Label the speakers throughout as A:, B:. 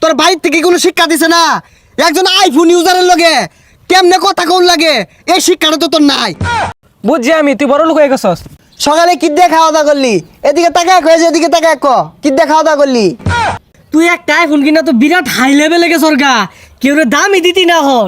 A: তোর বাড়ির থেকে কোনো শিক্ষা দিছে না? একজন আইফোন ইউজারের লগে কেমনে কথা কোন লাগে এই শিক্ষাটা তো তোর নাই।
B: বুঝছি আমি, তুই বড় লোক হয়ে গেছস।
A: সকালে কি দিয়ে খাওয়া দাওয়া করলি? এদিকে তাকায় কয়েছে, এদিকে তাকায় ক কি দিয়ে খাওয়া দাওয়া করলি?
C: তুই একটা আইফোন কিনা তো বিরাট হাই লেভেলে গেছর গা, কেউ রে দামই দিতি না হন।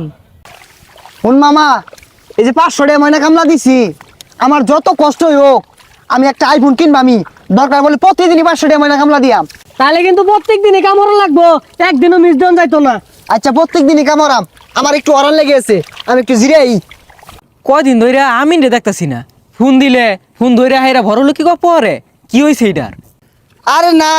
A: শুন মামা, এই যে 500 টাকা ময়না কামলা দিছি, আমার যত কষ্টই হোক আমি একটা আইফোন কিনবা। আমি দরকার বলে প্রতিদিনই 500 টাকা ময়না কামলা দিয়াম।
C: তাহলে কিন্তু প্রত্যেক দিনই কামড় লাগবো, একদিনও মিস দেন যাইতো না।
A: আচ্ছা প্রত্যেক দিনই কামড়াম, আমার একটু অরান লেগে আছে, আমি একটু জিরাই।
B: কয়দিন ধরে আমি রে দেখতাছি না, ফোন দিলে ফোন ধরে হাইরা বড় লোক কি পরে কি হয়েছে এটার?
A: আরে না,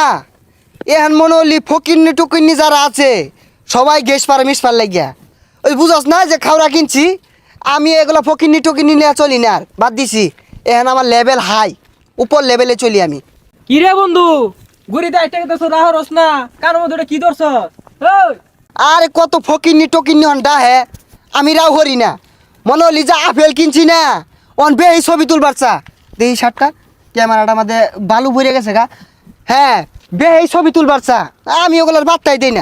A: এখন মনে হলি ফকিন্নি টুকিন্নি যারা আছে সবাই গ্যাস পারে মিস পার লাগিয়া। ওই বুঝস না যে খাওয়া কিনছি, আমি এগুলো ফকিন্নি টুকিন্নি নিয়ে চলি না, আর বাদ দিছি। এখন আমার লেভেল হাই, উপর লেভেলে চলি আমি।
B: কি রে বন্ধু, গুড়িতে একটা কথা রাহরস না, কার মধ্যে ওটা কি ধরছ? ওই
A: আরে কত ফকিন্নি টকিন্নি হন হ্যাঁ, আমি রাও হরি না। মনে হলি যে আপেল কিনছি না, অন বেই ছবি তুলবার চা দেই শার্টটা ক্যামেরাটা আমাদের বালু ভরে গেছে গা। হ্যাঁ বেই ছবি তুলবার চা, আমি ওগুলোর বার্তাই দেই না।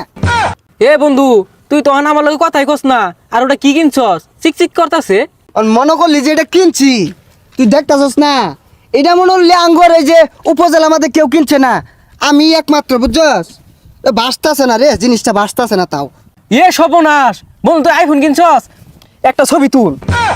B: এ বন্ধু, তুই তো আমার লগে কথাই কস না, আর ওটা কি কিনছস? চিকচিক করতাছে।
A: মনে করলি যে এটা কিনছি, তুই দেখতাছস না? এটা মনে হলি আঙ্গর এই যে উপজেলা আমাদের কেউ কিনছে না, আমি একমাত্র, বুঝছস? বাঁচতাছে না রে, জিনিসটা বাঁচতাছে না। তাও
B: এ সর্বনাশ বন্ধু, তুই আইফোন কিনছস, একটা ছবি তুল।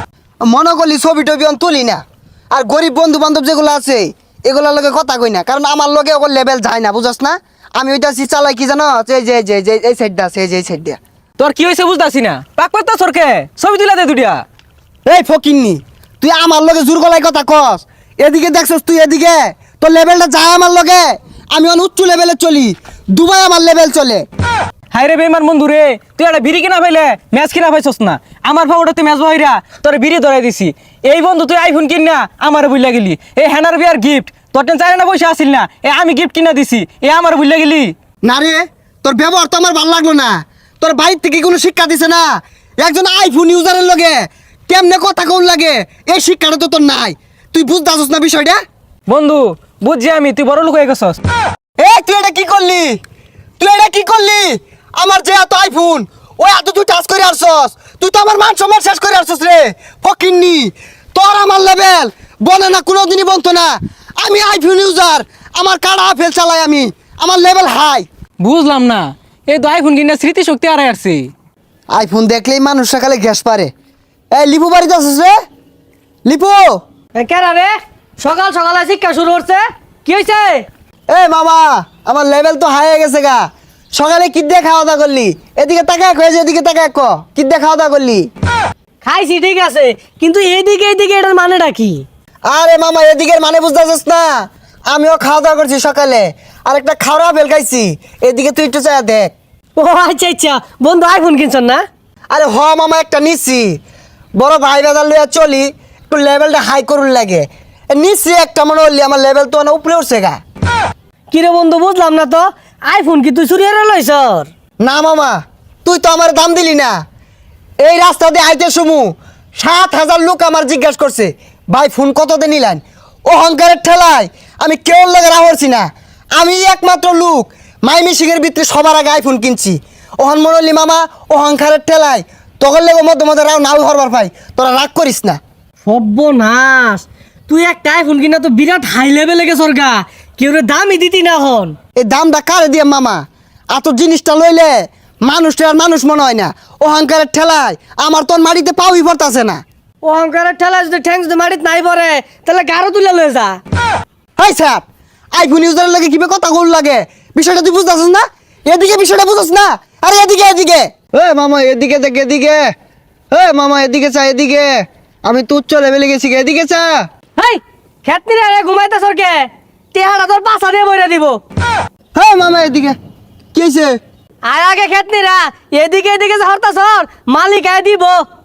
A: মনে করলি ছবি টবি অন তুলি না, আর গরিব বন্ধু বান্ধব যেগুলো আছে এগুলোর লগে কথা কই না, কারণ আমার লগে ওগুলো লেভেল যায় না, বুঝছস না? আমি ওইটা চালাই কি জানো, এই যে যে যে এই সাইডটা আছে, এই যে এই সাইডটা।
B: তোর কি হয়েছে বুঝতাছি না, পাক পাত্তা সরকে ছবি তুলা দে দুটিয়া।
A: এই ফকিন্নি, তুই আমার লগে জোর গলায় কথা কস। এদিকে দেখছস তুই, এদিকে তোর লেভেলটা যায় আমার লগে। আমি অন উচ্চ লেভেলে চলি, দুবাই আমার লেভেল চলে।
B: হাই রে বেমান বন্ধু রে, তুই একটা বিড়ি কিনা পাইলে ম্যাচ কিনা পাইছস না। আমার ভাবটা তুই ম্যাচ বহিরা তোর বিড়ি ধরাই দিছি। এই বন্ধু তুই আইফোন কিন না আমার বুঝলা গেলি। এই হ্যানার বিয়ার গিফট তোর টেন চাই না পয়সা আসিল না, এ আমি গিফট কিনা দিছি, এ আমার বুঝলা গেলি।
A: না রে, তোর ব্যবহার তো আমার ভালো লাগলো না। তোর বাড়ির থেকে কোনো শিক্ষা দিছে না? একজন আইফোন ইউজারের লগে কেমনে কথা কোন লাগে এই শিক্ষাটা তো তোর নাই। তুই বুঝতেছস না বিষয়টা?
B: বন্ধু বুঝছি আমি, তুই বড় লোক হয়ে গেছস।
A: তুই এটা কি করলি? তুই এটা কি করলি? আমার যে এত আইফোন, ওই এত তুই টাচ করে আসছস, তুই তো আমার মান সম্মান শেষ করে আসছস রে ফকিন্নি। তোর আমার লেভেল বনে না, কোনোদিনই বলতো না। আমি আইফোন ইউজার, আমার কাড়া আপেল চালাই আমি, আমার লেভেল হাই।
B: বুঝলাম না, এই তো আইফোন কিনা স্মৃতিশক্তি হারাই আসছে।
A: আইফোন দেখলেই মানুষ সকালে গ্যাস পারে। লিপু বাড়িতে আসছিস রে? লিপু,
C: কেরা রে সকাল সকালে শিক্ষা শুরু করছে, কি হয়েছে?
A: মামা, আমার লেভেল তো হাই হয়ে গেছে গা। সকালে কি দিয়ে খাওয়া দাওয়া করলি? এদিকে তাকায় কয়েছে, এদিকে তাকায় ক কি দিয়ে খাওয়া দাওয়া করলি?
C: খাইছি ঠিক আছে, কিন্তু এইদিকে এইদিকে এটার মানেটা কি?
A: আরে মামা, এদিকের মানে বুঝতেছিস না? আমিও খাওয়া দাওয়া করছি সকালে, আর একটা খাওয়া বেল খাইছি। এদিকে তুই একটু চাই দেখ।
C: ও আচ্ছা আচ্ছা, বন্ধু আইফোন কিনছেন না?
A: আরে হ মামা, একটা নিচ্ছি, বড় ভাই বাজার লইয়া চলি, একটু লেভেলটা হাই করুন লাগে। নিচ্ছি একটা, মনে হলি আমার লেভেল তো অনেক উপরে উঠছে গা।
C: কিরে বন্ধু বুঝলাম না তো, আইফোন কি তুই চুরি হারা লইছর?
A: না মামা, তুই তো আমার দাম দিলি না। এই রাস্তা দিয়ে আইতে সমু 7,000 লোক আমার জিজ্ঞাসা করছে, ভাই ফোন কত দিয়ে নিলেন? অহংকারের ঠেলায় আমি কেউ লাগে রাহরছি না। আমি একমাত্র লোক মাই মিশিংয়ের ভিতরে সবার আগে আইফোন কিনছি। ওহন মনলি মামা, অহংকারের ঠেলায় তখন লেগে মধ্যে মধ্যে রাও নাও হরবার পাই। তোরা রাগ করিস না।
C: সর্বনাশ, তুই একটা আইফোন কিনা তো বিরাট হাই লেভেলে গেছর গা, কেউ রে দামই দিতি না হন।
A: এই দামটা কারে দিয়ে মামা? এত জিনিসটা লইলে মানুষটা আর মানুষ মনে হয় না। অহংকারের ঠেলায় আমার তোর মাটিতে পাউই পড়তাছে না।
C: অহংকারের ঠেলা যদি ঠ্যাংস যদি মাটিত নাই পড়ে, তাহলে গারো তুলে লয়ে যা।
A: হাই স্যার, আইফোন ইউজারের লাগে কিভাবে কথা বল লাগে, বিষয়টা তুই বুঝতেছিস না? এদিকে বিষয়টা বুঝছ না? আরে এদিকে এদিকে, মামা এদিকে দেখ, এদিকে। মামা এদিকে চা, এদিকে। আমি তুচ্ছ উচ্চ লেভেলে গেছি, এদিকে চা।
C: হেই খেতনি রে ঘুমাইতে সরকে, তেহারা তোর পাছা দিয়ে বইরা দিব।
A: মামা এদিকে, কি হয়েছে?
C: আর আগে খেতনি রা এদিকে এদিকে হরতা সর, মালিক আয় দিব।